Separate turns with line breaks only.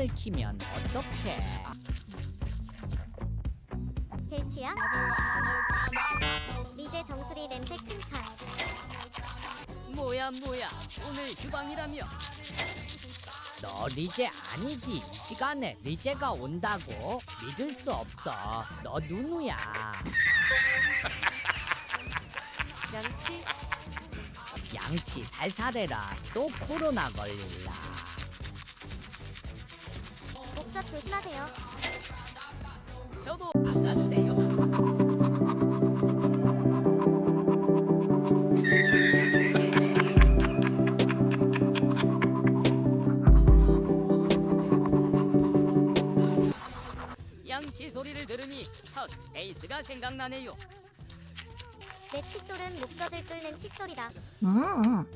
알람을 키면 어떡해?
데이트야? 리제 정수리 냄새 큰 차.
뭐야 오늘 휴방이라며.
너 리제 아니지? 이 시간에 리제가 온다고? 믿을 수 없어. 너 누누야?
양치?
양치 살살해라. 또 코로나 걸릴라.
목젖 조심하세요.
저도
안 가도 돼요.
양치 소리를 들으니 첫 스페이스가 생각나네요.
내 칫솔은 목젖을 뚫는 칫솔이다.